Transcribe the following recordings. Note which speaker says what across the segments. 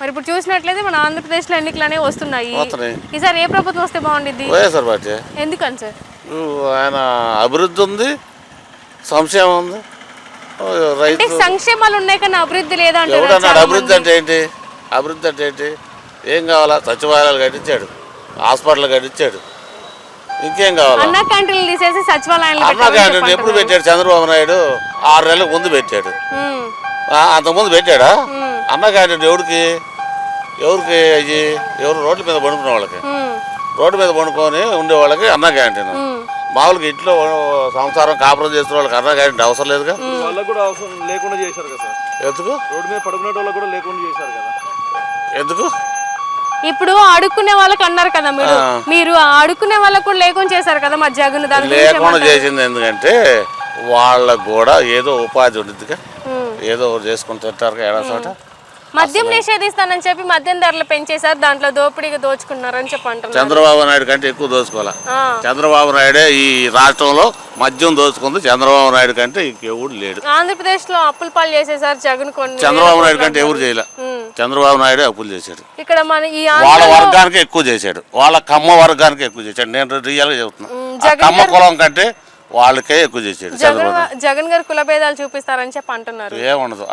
Speaker 1: మరి ఇప్పుడు చూసినట్లయితే మన ఆంధ్రప్రదేశ్లో ఎన్నికలు అనేవి వస్తున్నాయి. ఈసారి ఏ ప్రభుత్వం వస్తే బాగుండిద్ది?
Speaker 2: YSR party.
Speaker 1: ఎందుకని సార్?
Speaker 2: ఆయన అభివృద్ధి ఉంది, సంక్షేమం ఉంది.
Speaker 1: రైతు సంక్షేమాలు ఉన్నాయి కానీ అభివృద్ధి లేదంటే
Speaker 2: అభివృద్ధి అంటే ఏంటి? అభివృద్ధి అంటే ఏంటి? ఏం కావాలా? సచివాలయాలు కట్టించాడు, హాస్పిటల్ కట్టించాడు, ఇంకేం కావాలి?
Speaker 1: అన్న క్యాంటీన్లు తీసేసి సచివాలయాలు.
Speaker 2: అన్న క్యాంటీన్ ఎప్పుడు పెట్టాడు? చంద్రబాబు నాయుడు 6 నెలలకు ముందు పెట్టాడు. అంతకుముందు పెట్టాడా అన్న క్యాంటీన్? ఎవరికి అయ్యి ఎవరు రోడ్ల మీద పండుకునే వాళ్ళకి, రోడ్డు మీద పండుకొని ఉండే వాళ్ళకి అన్న క్యాంటీన్. మామూలుగా ఇంట్లో సంసారం కాపురం చేస్తున్న వాళ్ళకి అన్న క్యాంటీన్ అవసరం లేదుగా.
Speaker 3: వాళ్ళకి కూడా అవసరం లేకుండా చేశారు కదా సార్.
Speaker 2: ఎందుకు?
Speaker 3: రోడ్డు మీద పడుకునే వాళ్ళకి కూడా లేకుండా చేశారు కదా.
Speaker 2: ఎందుకు?
Speaker 1: ఇప్పుడు అడుక్కునే వాళ్ళకి అన్నారు కదా మీరు అడుక్కునే వాళ్ళకు కూడా లేకుండా చేశారు కదా మా జగన్.
Speaker 2: లేకుండా చేసింది ఎందుకంటే వాళ్ళకు కూడా ఏదో ఉపాధి ఉండిద్దిగా, ఏదో చేసుకుని తింటారు ఏడా చోట.
Speaker 1: మద్యం నిషేధిస్తానని చెప్పి మద్యం ధరలు పెంచేశారు, దాంట్లో దోపిడీగా దోచుకున్నారని చెప్పి అంటున్నారు.
Speaker 2: చంద్రబాబు నాయుడు కంటే ఎక్కువ దోచుకోవాలా? చంద్రబాబు నాయుడే ఈ రాష్ట్రంలో మద్యం దోచుకుంది. చంద్రబాబు నాయుడు కంటే ఇంకెవడు లేడు.
Speaker 1: ఆంధ్రప్రదేశ్ లో అప్పులు పాలు చేసేసారు జగన్. కొన్ని
Speaker 2: చంద్రబాబు నాయుడు కంటే ఎవరు చేయలే. చంద్రబాబు నాయుడే అప్పులు చేశాడు.
Speaker 1: ఇక్కడ మన ఈ
Speaker 2: వాళ్ళ వర్గానికి ఎక్కువ చేశాడు, వాళ్ళ కమ్మ వర్గానికి ఎక్కువ చేశాడు. నేను రియల్ గా చెబుతున్నా, కమ్మ కులం కంటే వాళ్ళకే ఎక్కువ చేశాడు.
Speaker 1: జగన్ గారు కుల భేదాలు చూపిస్తారని చెప్పి అంటున్నారు.
Speaker 2: ఏముండదు,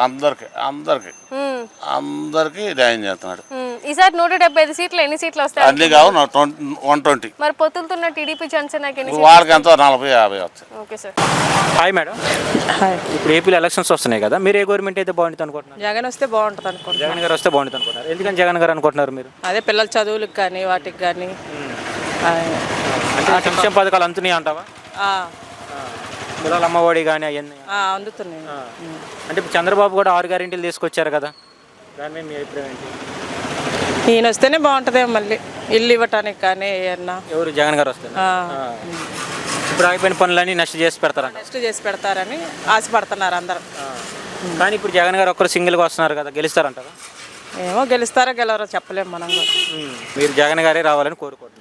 Speaker 2: అందరికి న్యాయం చేస్తున్నాడు.
Speaker 1: ఈసారి 175 సీట్లు ఎన్ని సీట్లు వస్తాయి?
Speaker 2: అన్ని కావు 120.
Speaker 1: మరి పొత్తులుతున్న టీడీపీ జనసేన
Speaker 2: వాళ్ళకి ఎంతో 40-50 వస్తాయి.
Speaker 1: Okay sir.
Speaker 4: Hi madam. ఇప్పుడు ఏపీలో ఎలక్షన్స్ వస్తున్నాయి కదా, మీరు ఏ గవర్నమెంట్ అయితే బాగుంటుంది అనుకుంటున్నారు?
Speaker 5: జగన్ వస్తే బాగుంటుంది అనుకుంటున్నారు.
Speaker 4: జగన్ గారు వస్తే బాగుంటుంది అనుకుంటున్నారు. ఎందుకని జగన్ గారు అనుకుంటున్నారు మీరు?
Speaker 5: అదే పిల్లల చదువులకు కానీ వాటికి కానీ
Speaker 4: అంటే సంక్షేమ పథకాలు అందుతున్నాయి అంటావా? పిల్లల అమ్మఒడి కానీ అవన్నీ
Speaker 5: అందుతున్నాయి.
Speaker 4: అంటే ఇప్పుడు చంద్రబాబు కూడా 6 గ్యారెంటీలు తీసుకొచ్చారు కదా, దాని మీద మీ అభిప్రాయం ఏంటి?
Speaker 5: ఈయన వస్తేనే బాగుంటుంది. మళ్ళీ ఇల్లు ఇవ్వటానికి కానీ ఏమన్నా.
Speaker 4: ఎవరు? జగన్ గారు వస్తే ఇప్పుడు ఆగిపోయిన పనులన్నీ నెక్స్ట్ చేసి పెడతారంట.
Speaker 5: నెక్స్ట్ చేసి పెడతారని ఆశపడుతున్నారు అందరూ.
Speaker 4: కానీ ఇప్పుడు జగన్ గారు ఒక్కరు సింగిల్గా వస్తున్నారు కదా, గెలుస్తారంటారా?
Speaker 5: ఏమో గెలుస్తారో గెలవరో చెప్పలేము మనం కూడా.
Speaker 4: మీరు జగన్ గారే రావాలని కోరుకుంటున్నారు.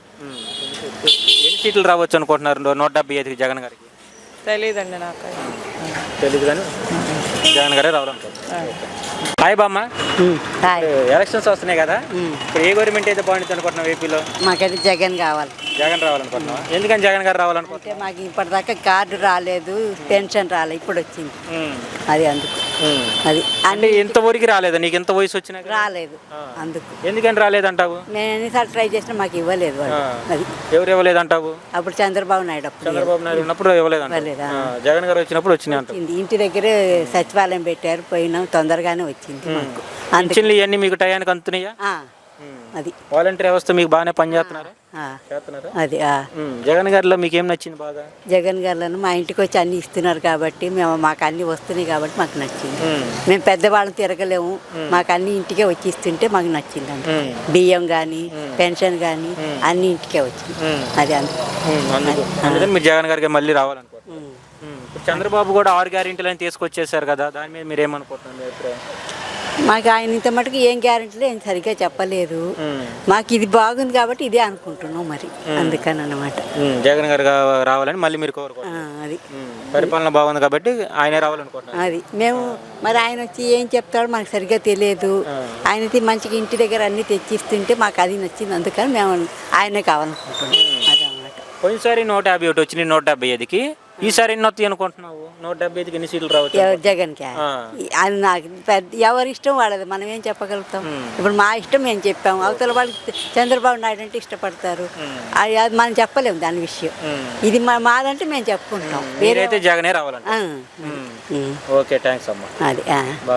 Speaker 4: ఎన్ని సీట్లు రావచ్చు అనుకుంటున్నారు 175కి జగన్ గారికి?
Speaker 5: తెలియదండి నాకు.
Speaker 4: తెలీదు కానీ జగన్ గారే రావాలనుకుంటున్నారు. హాయ్ బామ్మ. ఎలక్షన్స్ వస్తున్నాయి కదా, ఇప్పుడు ఏ గవర్నమెంట్ అయితే బాగుంటుంది అనుకుంటున్నావు ఏపీలో?
Speaker 6: మాకైతే జగన్ కావాలి.
Speaker 4: జగన్ రావాలనుకుంటున్నావా? ఎందుకని జగన్ గారు రావాలనుకుంటే?
Speaker 6: మాకు ఇప్పటిదాకా కార్డు రాలేదు, పెన్షన్ రాలేదు, ఇప్పుడు వచ్చింది. అది అందుకు. అది
Speaker 4: అంటే ఎంతవరకు రాలేదు? నీకు ఎంత వయసు వచ్చినా
Speaker 6: రాలేదు, అందుకు.
Speaker 4: ఎందుకని రాలేదంటావు?
Speaker 6: నేను ఎన్నిసార్లు ట్రై చేసినా మాకు ఇవ్వలేదు. అది
Speaker 4: ఎవరు ఇవ్వలేదంటావు?
Speaker 6: అప్పుడు చంద్రబాబు నాయుడు
Speaker 4: ఉన్నప్పుడు ఇవ్వలేదంట. జగన్ గారు వచ్చినప్పుడు వచ్చినాయి.
Speaker 6: ఇంటి దగ్గరే సచివాలయం పెట్టారు, పోయినాం, తొందరగానే వచ్చింది మాకు.
Speaker 4: అందుకని ఇవన్నీ మీకు టయానికి అందుతున్నాయా?
Speaker 6: అది
Speaker 4: వాలంటీర్ వ్యవస్థ మీకు బాగానే పనిచేస్తున్నారా?
Speaker 6: అది
Speaker 4: జగన్ గారిలో మీకు ఏం నచ్చింది బాగా?
Speaker 6: జగన్ గారిలో మా ఇంటికి వచ్చి అన్ని ఇస్తున్నారు కాబట్టి మాకు అన్ని వస్తున్నాయి కాబట్టి మాకు నచ్చింది. మేము పెద్దవాళ్ళని తిరగలేము, మాకు అన్ని ఇంటికే వచ్చి ఇస్తుంటే మాకు నచ్చింది. అండి బియ్యం కానీ పెన్షన్ కానీ అన్ని ఇంటికే వచ్చింది. అది
Speaker 4: అందుకని మీరు జగన్ గారికి మళ్ళీ రావాలనుకుంటున్నారు. చంద్రబాబు కూడా 6 గ్యారెంటీలు అని తీసుకొచ్చేసారు కదా, దాని మీద మీరు ఏమనుకుంటున్నారు?
Speaker 6: మాకు ఆయన ఇంత మటుకు ఏం గ్యారెంటీలు ఏం సరిగ్గా చెప్పలేదు. మాకు ఇది బాగుంది కాబట్టి ఇదే అనుకుంటున్నాం, మరి అందుకని అన్నమాట.
Speaker 4: జగన్ గారు రావాలని మళ్ళీ మీరు కోరుకుంటున్నారు.
Speaker 6: అది
Speaker 4: పరిపాలన బాగుంది కాబట్టి ఆయనే రావాలనుకుంటున్నారు.
Speaker 6: అది మేము మరి ఆయన వచ్చి ఏం చెప్తాడో మాకు సరిగ్గా తెలియదు. ఆయన మంచిగా ఇంటి దగ్గర అన్ని తెచ్చిస్తుంటే మాకు అది నచ్చింది, అందుకని మేము ఆయనే కావాలనుకుంటున్నాం. అదన్నమాట.
Speaker 4: పోయినసారి 151 వచ్చినాయి 175కి, ఈసారి ఎన్ని వస్తాయి అనుకుంటున్నావు? 175కి ఎన్ని సీట్లు రావచ్చు?
Speaker 6: జగన్కి అది నాకు ఎవరి ఇష్టం వాళ్ళది, మనం ఏం చెప్పగలుగుతాం? ఇప్పుడు మా ఇష్టం మేము చెప్పాము, అవతల వాళ్ళకి చంద్రబాబు నాయుడు అంటే ఇష్టపడతారు, అది మనం చెప్పలేము దాని విషయం. ఇది మాదంటే మేము చెప్పుకుంటాం.
Speaker 4: మీరైతే జగనే రావాలంటే. ఓకే, థ్యాంక్స్ అమ్మా.
Speaker 6: అది